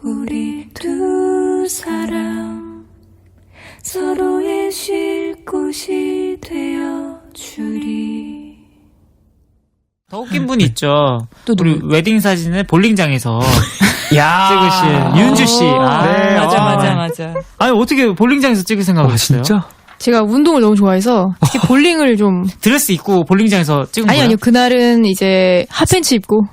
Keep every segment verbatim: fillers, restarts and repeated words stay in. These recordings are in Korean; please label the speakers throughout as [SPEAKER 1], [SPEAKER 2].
[SPEAKER 1] 우리 두 사람 서로의 쉴 곳이 되어주리.
[SPEAKER 2] 더 웃긴 분이 있죠.
[SPEAKER 3] 또
[SPEAKER 2] 우리 웨딩 사진을 볼링장에서
[SPEAKER 4] 야
[SPEAKER 2] 찍으신 윤주 씨. 아,
[SPEAKER 4] 네,
[SPEAKER 3] 맞아,
[SPEAKER 4] 아.
[SPEAKER 3] 맞아, 맞아.
[SPEAKER 2] 아니 어떻게 볼링장에서 찍을 생각을
[SPEAKER 4] 와,
[SPEAKER 2] 했어요?
[SPEAKER 4] 진짜?
[SPEAKER 3] 제가 운동을 너무 좋아해서 특히 볼링을 좀
[SPEAKER 2] 드레스 입고 볼링장에서 찍은
[SPEAKER 3] 아니
[SPEAKER 2] 거예요?
[SPEAKER 3] 아니요 그날은 이제 핫팬츠 입고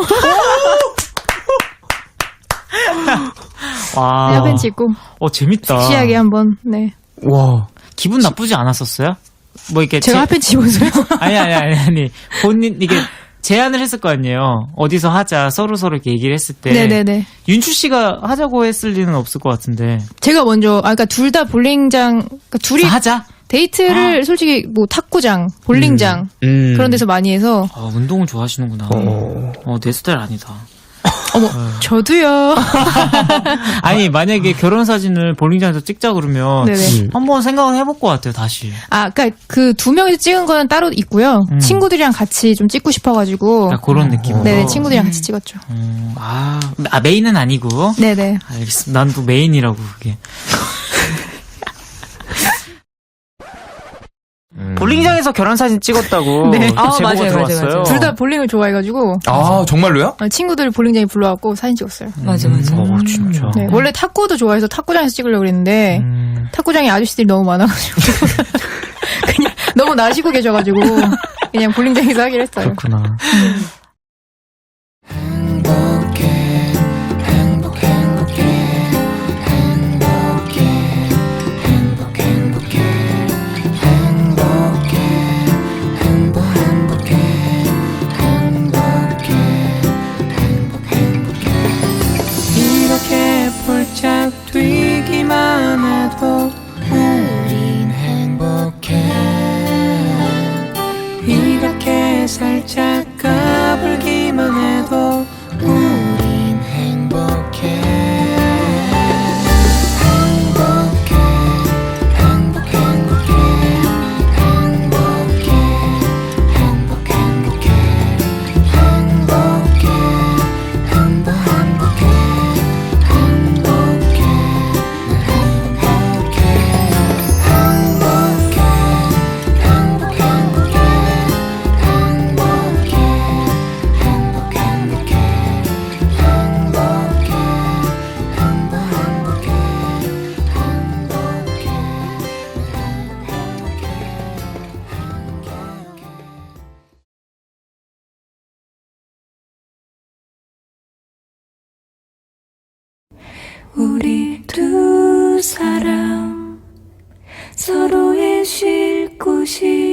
[SPEAKER 2] 와,
[SPEAKER 3] 네, 핫팬츠 입고
[SPEAKER 2] 어 재밌다.
[SPEAKER 3] 섹시하게 한번 네
[SPEAKER 4] 와.
[SPEAKER 2] 기분 나쁘지 않았었어요? 뭐 이렇게
[SPEAKER 3] 제가
[SPEAKER 2] 제-
[SPEAKER 3] 핫팬츠 입어서요.
[SPEAKER 2] 아니 아니 아니 아니 본인 이게 제안을 했을 거 아니에요. 어디서 하자 서로 서로 이렇게 얘기를 했을 때
[SPEAKER 3] 네네네.
[SPEAKER 2] 윤주 씨가 하자고 했을 리는 없을 것 같은데.
[SPEAKER 3] 제가 먼저 아 그러니까 둘 다 볼링장 그러니까 둘이
[SPEAKER 2] 하자.
[SPEAKER 3] 데이트를 솔직히 뭐 탁구장, 볼링장
[SPEAKER 4] 음.
[SPEAKER 3] 그런 데서 많이 해서
[SPEAKER 2] 아, 운동을 좋아하시는구나.
[SPEAKER 4] 어.
[SPEAKER 2] 어, 내 스타일 아니다.
[SPEAKER 3] 어머 저도요.
[SPEAKER 2] 아니 만약에 결혼 사진을 볼링장에서 찍자 그러면
[SPEAKER 3] 네네.
[SPEAKER 4] 음.
[SPEAKER 2] 한번 생각을 해볼 것 같아요. 다시.
[SPEAKER 3] 아 그러니까 그 두 명이서 찍은 거는 따로 있고요.
[SPEAKER 2] 음.
[SPEAKER 3] 친구들이랑 같이 좀 찍고 싶어가지고
[SPEAKER 2] 아, 그런 느낌으로.
[SPEAKER 3] 네네 친구들이랑 같이 찍었죠.
[SPEAKER 2] 음, 아, 아 메인은 아니고.
[SPEAKER 3] 네네.
[SPEAKER 2] 알겠습니다. 난 또 메인이라고 그게. 볼링장에서 결혼 사진 찍었다고
[SPEAKER 3] 네.
[SPEAKER 2] 또
[SPEAKER 3] 아,
[SPEAKER 2] 제보가
[SPEAKER 3] 맞아요,
[SPEAKER 2] 들어왔어요.
[SPEAKER 3] 맞아요, 맞아요. 둘 다 볼링을 좋아해가지고
[SPEAKER 4] 아, 정말로요?
[SPEAKER 3] 어, 친구들 볼링장에 불러갖고 사진 찍었어요.
[SPEAKER 2] 맞아 맞아. 어, 진짜.
[SPEAKER 3] 네, 원래 탁구도 좋아해서 탁구장에서 찍으려고 그랬는데
[SPEAKER 2] 음.
[SPEAKER 3] 탁구장에 아저씨들이 너무 많아가지고 그냥 너무 나시고 계셔가지고 그냥 볼링장에서 하기로 했어요.
[SPEAKER 2] 그렇구나.
[SPEAKER 1] 이렇게 폴짝 뛰기만 해도 우린 행복해. 이렇게 살짝 까불기만 해도 우린 행복해. 행복해 행복 행복해 행복해 행복 행복해 행복해 행복 행복해 행복해 행복해 행복해 행복 행복해 행복해 행복 행복해 행복해 우리 두 사람 서로의 쉴 곳이